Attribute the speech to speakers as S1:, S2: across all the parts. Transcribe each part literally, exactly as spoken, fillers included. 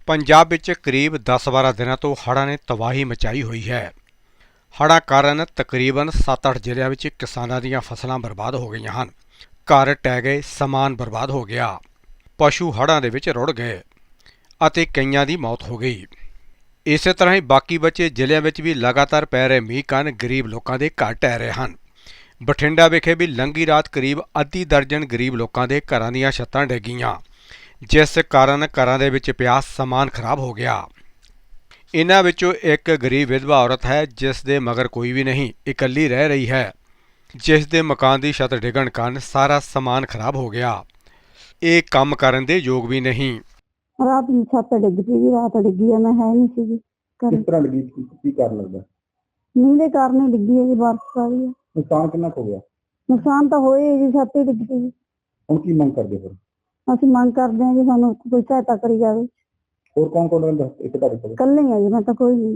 S1: ਪੰਜਾਬ ਵਿੱਚ ਕਰੀਬ ਦਸ ਬਾਰਾਂ ਦਿਨਾਂ ਤੋਂ ਹੜ੍ਹਾਂ ਨੇ ਤਬਾਹੀ ਮਚਾਈ ਹੋਈ ਹੈ। ਹੜ੍ਹਾਂ ਕਾਰਨ ਤਕਰੀਬਨ ਸੱਤ ਅੱਠ ਜ਼ਿਲ੍ਹਿਆਂ ਵਿੱਚ ਕਿਸਾਨਾਂ ਦੀਆਂ ਫਸਲਾਂ ਬਰਬਾਦ ਹੋ ਗਈਆਂ ਹਨ। ਘਰ ਢਹਿ ਗਏ, ਸਮਾਨ ਬਰਬਾਦ ਹੋ ਗਿਆ, ਪਸ਼ੂ ਹੜ੍ਹਾਂ ਦੇ ਵਿੱਚ ਰੁੜ ਗਏ ਅਤੇ ਕਈਆਂ ਦੀ ਮੌਤ ਹੋ ਗਈ। ਇਸੇ ਤਰ੍ਹਾਂ ਹੀ ਬਾਕੀ ਬਚੇ ਜ਼ਿਲ੍ਹਿਆਂ ਵਿੱਚ ਵੀ ਲਗਾਤਾਰ ਪੈ ਰਹੇ ਮੀਂਹ ਕਾਰਨ ਗਰੀਬ ਲੋਕਾਂ ਦੇ ਘਰ ਢਹਿ ਰਹੇ ਹਨ। ਬਠਿੰਡਾ ਵਿਖੇ ਵੀ ਲੰਘੀ ਰਾਤ ਕਰੀਬ ਅੱਧੀ ਦਰਜਨ ਗਰੀਬ ਲੋਕਾਂ ਦੇ ਘਰਾਂ ਦੀਆਂ ਛੱਤਾਂ ਡਿੱਗੀਆਂ, ਜਿਸ ਕਾਰਨ ਘਰਾਂ ਦੇ ਵਿੱਚ ਪਿਆ ਸਮਾਨ ਖਰਾਬ ਹੋ ਗਿਆ। ਇਨ੍ਹਾਂ ਵਿੱਚੋਂ ਇੱਕ ਗਰੀਬ ਵਿਧਵਾ ਔਰਤ ਹੈ, ਜਿਸ ਦੇ ਮਗਰ ਕੋਈ ਵੀ ਨਹੀਂ, ਇਕੱਲੀ ਰਹਿ ਰਹੀ ਹੈ, ਜਿਸ ਦੇ ਮਕਾਨ ਦੀ ਛੱਤ ਡਿੱਗਣ ਕਾਰਨ ਸਾਰਾ ਸਮਾਨ ਖਰਾਬ ਹੋ ਗਿਆ। ਇਹ ਕੰਮ ਕਰਨ ਦੇ ਯੋਗ ਵੀ ਨਹੀਂ।
S2: ਰਾਤ ਨੂੰ ਛੱਤ ਡਿੱਗ ਪਈ ਜੀ, ਰਾਤ ਡਿੱਗੀ ਆ, ਮੈਂ ਹੈ ਨਹੀਂ ਸੀਗੀ ਘਰੇ।
S3: ਕਿਸ ਤਰ੍ਹਾਂ ਲੱਗੀ, ਕੀ ਕੀ ਕਾਰਨ ਲੱਗਦਾ?
S2: ਮੀਂਹ ਦੇ ਕਾਰਨ ਹੀ ਡਿੱਗੀ ਹੈ ਜੀ, ਬਾਰਿਸ਼ ਆ ਰਹੀ ਹੈ।
S3: ਨੁਕਸਾਨ ਕਿੰਨਾ ਕੁ ਹੋ ਗਿਆ?
S2: ਨੁਕਸਾਨ ਤਾਂ ਹੋਏ ਹੀ ਜੀ, ਛੱਤ ਹੀ ਡਿੱਗ ਪਈ ਜੀ।
S3: ਹੁਣ ਕੀ ਮੰਗ ਕਰਦੇ ਫਿਰ?
S2: ਅਸੀਂ ਮੰਗ ਕਰਦੇ ਹਾਂ ਜੀ, ਸਾਨੂੰ ਕੋਈ ਸਹਾਇਤਾ ਕਰੀ ਜਾਵੇ।
S3: ਹੋਰ ਕੌਣ ਕੌਣ ਰਹਿੰਦਾ ਇੱਕ ਤੁਹਾਡੇ ਕੋਲ?
S2: ਇਕੱਲੇ ਆ ਜੀ, ਮੈਂ ਤਾਂ ਕੋਈ ਨਹੀਂ।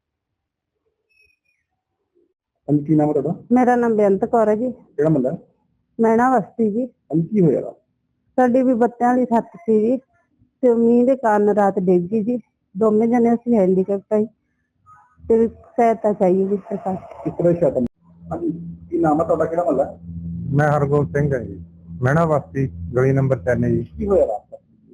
S3: ਹਾਂਜੀ, ਕੀ ਨਾਮ ਹੈ ਤੁਹਾਡਾ?
S2: ਮੇਰਾ ਨਾਮ ਬੇਅੰਤ ਕੌਰ ਹੈ ਜੀ।
S3: ਕਿਹੜਾ ਮਹੱਲਾ?
S2: ਮੈਣਾ ਬਸਤੀ ਜੀ।
S3: ਹਾਂਜੀ, ਕੀ ਹੋਇਆ ਰਾਤ?
S2: ਸਾਡੀ ਵੀ ਬੱਤਿਆਂ ਵਾਲੀ ਛੱਤ ਸੀ ਜੀ, ਤੇ ਮੀਂਹ ਦੇ ਕਾਰਨ ਰਾਤ ਡਿੱਗ ਗਈ ਜੀ। ਦੋਵੇਂ ਜਣੇ ਅਸੀਂ ਹੈਂਡੀਕੈਪਟ ਆਈ ਤੇ ਸਹਾਇਤਾ ਚਾਹੀਏ ਜੀ ਸਰਕਾਰ।
S3: ਕਿਸ ਤਰ੍ਹਾਂ ਛੱਤ? ਹਾਂਜੀ, ਕੀ ਨਾਮ ਹੈ ਤੁਹਾਡਾ? ਕਿਹੜਾ ਮਹੱਲਾ?
S4: ਮੈਂ ਹਰਗੋਬਿੰਦ ਸਿੰਘ ਹਾਂ ਜੀ, ਮਹਿਣਾ ਬਸਤੀ, ਗਲੀ ਨੰਬਰ ਤਿੰਨ ਜੀ।
S3: ਕੀ ਹੋਇਆ ਰਾਤ?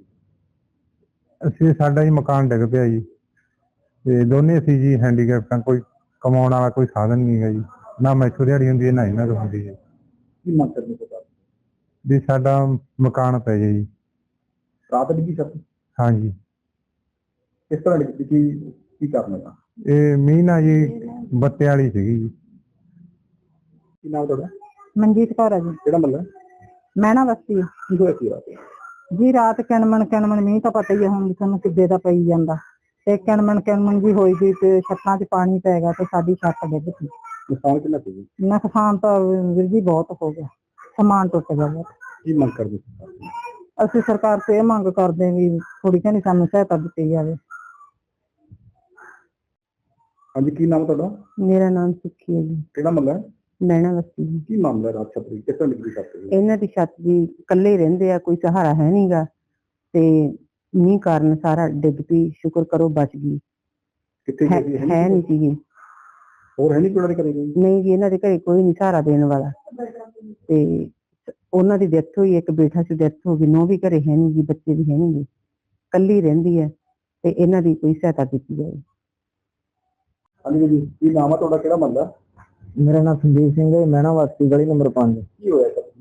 S4: ਅਸੀਂ ਸਾਡਾ ਹੀ ਮਕਾਨ ਡਿੱਗ ਪਿਆ ਜੀ, ਤੇ ਦੋਨੇ ਅਸੀਂ ਜੀ ਹੈਂਡੀਕੈਪਟਾਂ, ਕੋਈ ਕਮਾਉਣ ਵਾਲਾ ਕੋਈ ਸਾਧਨ ਨਹੀਂ ਹੈ ਜੀ, ਨਾ ਮੈਥੋਂ ਦਿਹਾੜੀ ਹੁੰਦੀ ਹੈ ਨਾ ਇਹਨਾਂ ਤੋਂ ਹੁੰਦੀ ਹੈ।
S3: ਕੀ ਮੰਗ ਕਰਦੇ ਸਰਕਾਰ?
S4: ਵੀ ਸਾਡਾ ਮਕਾਨ ਪੈ ਜਾਏ ਜੀ।
S3: ਰਾਤ ਡਿੱਗੀ ਛੱਤ?
S4: ਹਾਂਜੀ।
S3: ਕਿਸ ਤਰ੍ਹਾਂ ਡਿੱਗੀ, ਕੀ ਕੀ ਕਾਰਨ ਹੈਗਾ?
S4: ਇਹ ਮੀਂਹ ਨਾ ਜੀ ਬੱਤੇ ਵਾਲੀ ਸੀਗੀ ਜੀ।
S3: ਕੀ ਨਾਮ ਤੁਹਾਡਾ?
S2: ਮਨਜੀਤ ਕੌਰ ਹੈ ਜੀ।
S3: ਕਿਹੜਾ ਮਹੱਲਾ?
S2: ਮੈਣਾ ਬਸਤੀ
S3: ਕੀ ਹੋਇਆ ਸੀ ਰਾਤ?
S2: ਜੀ ਰਾਤ ਕਿਣਮਣ ਕਿਣਮਣ ਮੀਂਹ ਤਾਂ ਪਤਾ ਹੀ ਹੈ ਹੁਣ ਤੁਹਾਨੂੰ ਕਿੱਦੇ ਦਾ ਪਈ ਜਾਂਦਾ, ਤੇ ਕਿਣਮਣ ਕਿਣਮਣ ਜੀ ਹੋਈ ਗਈ ਤੇ ਛੱਤਾਂ 'ਚ ਪਾਣੀ ਪੈ ਗਿਆ ਤੇ ਸਾਡੀ ਛੱਤ ਡਿੱਗ ਪਈ।
S3: ਨੁਕਸਾਨ ਕਿੰਨਾ ਸੀ ਜੀ?
S2: ਨੁਕਸਾਨ ਤਾਂ ਵੀਰ ਜੀ ਬਹੁਤ ਹੋ ਗਿਆ, ਸਮਾਨ ਟੁੱਟ ਗਿਆ ਬਹੁਤ।
S3: ਕੀ ਮੰਗ ਕਰਦੇ ਸਰਕਾਰ?
S2: ਅਸੀਂ ਸਰਕਾਰ ਤੋਂ ਇਹ ਮੰਗ ਕਰਦੇ ਹਾਂ ਵੀ ਥੋੜੀ ਜਿਹੀ ਸਾਨੂੰ ਸਹਾਇਤਾ ਦਿੱਤੀ ਜਾਵੇ।
S3: ਹਾਂਜੀ, ਕੀ ਨਾਮ ਤੁਹਾਡਾ?
S2: ਮੇਰਾ ਨਾਮ ਸੁੱਖੀ ਹੈ ਜੀ,
S3: ਕਿਹੜਾ ਮਹੱਲਾ?
S2: ਮੈਣਾ ਬਸਤੀ ਜੀ।
S3: ਕੀ ਮਾਮਲਾ ਰਾਤ ਛੱਤ ਡਿੱਗੀ, ਕਿਸ ਤਰ੍ਹਾਂ ਡਿੱਗੀ ਛੱਤ?
S2: ਇਹਨਾਂ ਦੀ ਛੱਤ ਦੀ ਇਕੱਲੇ ਰਹਿੰਦੇ ਆ, ਕੋਈ ਸਹਾਰਾ ਹੈ ਨਹੀਂਗਾ, ਤੇ ਮੀਂਹ ਕਾਰਨ ਸਾਰਾ ਡਿੱਗ ਪਈ। ਸ਼ੁਕਰ ਕਰੋ ਬਚ ਗਈ,
S3: ਕਿੱਥੇ
S2: ਹੈ
S3: ਗਈ?
S2: ਹੈ ਨਹੀਂ ਸੀਗੀ।
S3: ਹੋਰ ਹੈ ਨਹੀਂ ਕੋਈ ਕਰੇ ਗਈ?
S2: ਨਹੀਂ ਜੀ, ਇਹਨਾਂ ਦੇ ਘਰੇ ਕੋਈ ਨਹੀਂ ਸਹਾਰਾ ਦੇਣ ਵਾਲਾ, ਤੇ ਉਹਨਾਂ ਦੀ ਡੈਥ ਹੋਈ, ਇੱਕ ਬੇਟਾ ਸੀ ਡੈਥ ਹੋ ਗਈ, ਨੂੰਹ ਵੀ ਘਰੇ ਹੈ ਨਹੀਂ ਜੀ, ਬੱਚੇ ਵੀ ਹੈ ਨਹੀਂ ਜੀ, ਇਕੱਲੀ ਰਹਿੰਦੀ ਹੈ, ਤੇ ਇਹਨਾਂ ਦੀ ਕੋਈ ਸਹਾਇਤਾ ਕੀਤੀ ਜਾਵੇ।
S3: ਹਾਂਜੀ ਜੀ, ਕੀ ਨਾਮ ਹੈ ਤੁਹਾਡਾ? ਕਿਹੜਾ ਮਹੱਲਾ?
S5: ਮੇਰਾ ਨਾਮ ਸੰਦੀਪ ਸਿੰਘ ਹੈ, ਮੈਣਾ ਵਾਸੀ, ਗਲੀ ਨੰਬਰ ਪੰਜ।
S3: ਕੀ ਹੋਇਆ ਛੱਤ?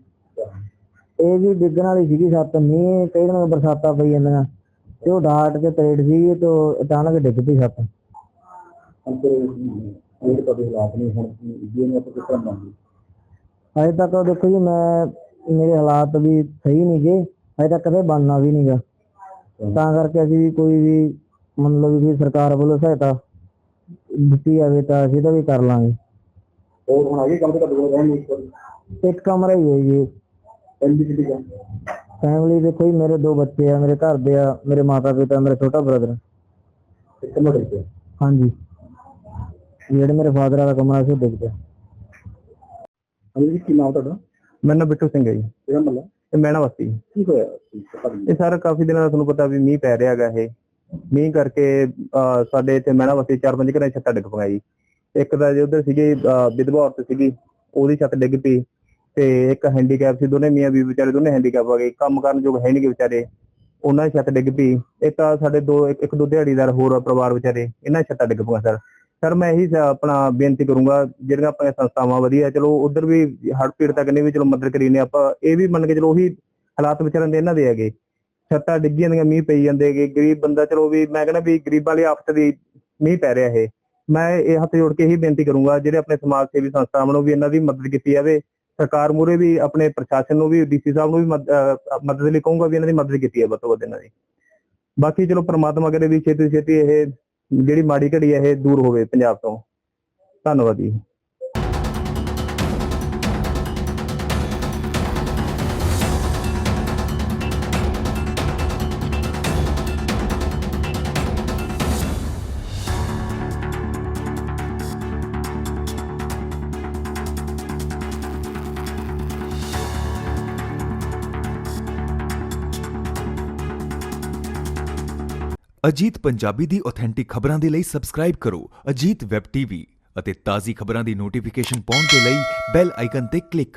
S5: ਇਹ ਜੀ ਡਿੱਗਣ ਵਾਲੀ ਸੀਗੀ ਛੱਤ, ਮੀਂਹ ਕਈ ਦਿਨ ਬਰਸਾਤਾਂ ਪਈ ਜਾਂਦੀਆਂ, ਤੇ ਉਹ ਡਾਟ ਕੇ ਤਰੇੜ ਸੀ, ਤੇ ਅਚਾਨਕ ਡਿੱਗ ਪਈ ਛੱਤ।
S3: ਅੰਦਰ ਇਹ ਤੁਹਾਡੇ ਹਾਲਾਤ ਨੇ ਹੁਣ ਜੀ ਨੇ ਆਪਾਂ ਕਿਸ ਤਰ੍ਹਾਂ ਮੰਗੀ?
S5: ਅਜੇ ਤੱਕ ਦੇਖੋ ਜੀ, ਮੈਂ ਮੇਰੇ ਹਾਲਾਤ ਵੀ ਸਹੀ ਨਹੀਂ ਗੇ, ਅਜੇ ਤੱਕ ਕਦੇ ਬਣਨਾ ਵੀ ਨਹੀਂਗਾ, ਤਾਂ ਕਰਕੇ ਅਸੀਂ ਵੀ ਕੋਈ ਵੀ ਮਤਲਬ ਵੀ ਸਰਕਾਰ ਵੱਲੋਂ ਸਹਾਇਤਾ ਦਿੱਤੀ ਜਾਵੇ ਤਾਂ ਅਸੀਂ ਤਾਂ ਵੀ ਕਰ ਲਾਂਗੇ।
S3: ਹੋਰ ਹੁਣ ਆਗੇ ਕੰਮ ਤੇ ਤੁਹਾਡੇ ਕੋਲ ਰਹਿਣ ਨੂੰ
S5: ਇੱਕ ਕਮਰਾ ਹੀ ਹੈ ਜੀ।
S3: ਐਲਬੀਡੀ ਦਾ
S5: ਫੈਮਿਲੀ ਦੇਖੋ ਜੀ, ਮੇਰੇ ਦੋ ਬੱਚੇ ਆ, ਮੇਰੇ ਘਰ ਦੇ ਆ, ਮੇਰੇ ਮਾਤਾ ਪਿਤਾ, ਮੇਰਾ ਛੋਟਾ ਬ੍ਰਦਰ।
S3: ਇੱਕ ਕਮਰਾ ਡਿੱਗ ਪਿਆ?
S5: ਹਾਂਜੀ, ਜਿਹੜੇ ਮੇਰੇ ਫਾਦਰ ਵਾਲਾ ਕਮਰਾ ਸੀ ਉਹ ਡਿੱਗ ਪਿਆ।
S3: ਹਾਂਜੀ ਜੀ, ਕੀ ਨਾਮ ਤੁਹਾਡਾ?
S4: ਮੇਰਾ ਨਾਮ ਬਿੱਟੂ ਸਿੰਘ ਹੈ ਜੀ,
S3: ਕਿਹੜਾ ਮਹੱਲਾ?
S4: ਇਹ ਮਹਿਣਾ ਬਸਤੀ।
S3: ਕੀ ਹੋਇਆ ਸੀ?
S4: ਇਹ ਸਰ ਕਾਫੀ ਦਿਨਾਂ ਦਾ ਤੁਹਾਨੂੰ ਪਤਾ ਵੀ ਮੀਂਹ ਪੈ ਰਿਹਾ ਹੈਗਾ। ਇਹ ਮੀਂਹ ਕਰਕੇ ਅਹ ਸਾਡੇ ਇੱਥੇ ਮਹਿਣਾ ਬਸਤੀ ਚਾਰ ਪੰਜ ਘਰਾਂ ਛੱਤਾਂ ਡਿੱਗ ਪਈਆਂ ਜੀ। ਇੱਕ ਤਾਂ ਜੇ ਉੱਧਰ ਸੀਗੀ ਵਿਧਵਾ ਔਰਤ ਸੀਗੀ, ਉਹਦੀ ਛੱਤ ਡਿੱਗ ਪਈ, ਤੇ ਇੱਕ ਹੈਂਡੀਕੈਪ ਸੀ, ਦੋਨੇ ਮੀਆਂ ਵੀ ਵਿਚਾਰੇ ਦੋਨੇ ਹੈਂਡੀਕੈਪ ਆ ਗਏ, ਕੰਮ ਕਰਨ ਯੋਗ ਹੈ ਨੀ ਗੇ ਵਿਚਾਰੇ, ਉਹਨਾਂ ਦੀ ਛੱਤ ਡਿੱਗ ਪਈ। ਇੱਕ ਤਾਂ ਸਾਡੇ ਦੋ ਇੱਕ ਦੋ ਦਿਹਾੜੀਦਾਰ ਹੋਰ ਪਰਿਵਾਰ ਵਿਚਾਰੇ, ਇਹਨਾਂ ਦੀ ਛੱਤਾਂ ਡਿੱਗ ਪਈਆਂ। ਸਰ ਸਰ ਮੈਂ ਇਹੀ ਆਪਣਾ ਬੇਨਤੀ ਕਰੂੰਗਾ, ਜਿਹੜੀਆਂ ਆਪਣੀਆਂ ਸੰਸਥਾਵਾਂ ਵਧੀਆ, ਚਲੋ ਉਧਰ ਵੀ ਹੜ੍ਹ ਪੀੜਤਾਂ ਕਨੇ ਵੀ ਚਲੋ ਮਦਦ ਕਰੀ ਨੇ ਆਪਾਂ, ਇਹ ਵੀ ਮੰਨ ਕੇ ਚਲੋ ਉਹੀ ਹਾਲਾਤ ਵਿਚਾਰਨ ਦੇ ਇਹਨਾਂ ਦੇ ਹੈਗੇ, ਛੱਤਾਂ ਡਿੱਗੀ ਜਾਂਦੀਆਂ, ਮੀਂਹ ਪਈ ਜਾਂਦੇ ਹੈਗੇ, ਗਰੀਬ ਬੰਦਾ, ਚਲੋ ਵੀ ਮੈਂ ਕਹਿੰਦਾ ਵੀ ਗਰੀਬਾਂ ਵਾਲੀ ਆਫਤ ਦੀ ਮੀਂਹ ਪੈ ਰਿਹਾ। ਇਹ ਮੈਂ ਇਹ ਹੱਥ ਜੋੜ ਕੇ ਇਹੀ ਬੇਨਤੀ ਕਰੂੰਗਾ, ਜਿਹੜੇ ਆਪਣੇ ਸਮਾਜ ਸੇਵੀ ਸੰਸਥਾਵਾਂ ਨੂੰ ਵੀ ਇਹਨਾਂ ਦੀ ਮਦਦ ਕੀਤੀ ਜਾਵੇ। ਸਰਕਾਰ ਮੂਹਰੇ ਵੀ, ਆਪਣੇ ਪ੍ਰਸ਼ਾਸਨ ਨੂੰ ਵੀ, ਡੀਸੀ ਸਾਹਿਬ ਨੂੰ ਵੀ ਮਦਦ ਲਈ ਕਹੂੰਗਾ ਵੀ ਇਹਨਾਂ ਦੀ ਮਦਦ ਕੀਤੀ ਹੈ ਵੱਧ ਤੋਂ ਵੱਧ ਇਹਨਾਂ ਦੀ। ਬਾਕੀ ਚਲੋ ਪ੍ਰਮਾਤਮਾ ਕਰੇ ਵੀ ਛੇਤੀ ਛੇਤੀ ਇਹ ਜਿਹੜੀ ਮਾੜੀ ਘੜੀ ਹੈ ਇਹ ਦੂਰ ਹੋਵੇ ਪੰਜਾਬ ਤੋਂ। ਧੰਨਵਾਦ ਜੀ।
S6: ਅਜੀਤ ਪੰਜਾਬੀ ਦੀ ਆਥੈਂਟਿਕ ਖਬਰਾਂ ਦੇ ਲਈ ਸਬਸਕ੍ਰਾਈਬ ਕਰੋ ਅਜੀਤ ਵੈਬ ਟੀਵੀ ਅਤੇ ਤਾਜ਼ੀ ਖਬਰਾਂ ਦੀ ਨੋਟੀਫਿਕੇਸ਼ਨ ਪਾਉਣ ਦੇ ਲਈ ਬੈਲ ਆਈਕਨ ਤੇ ਕਲਿੱਕ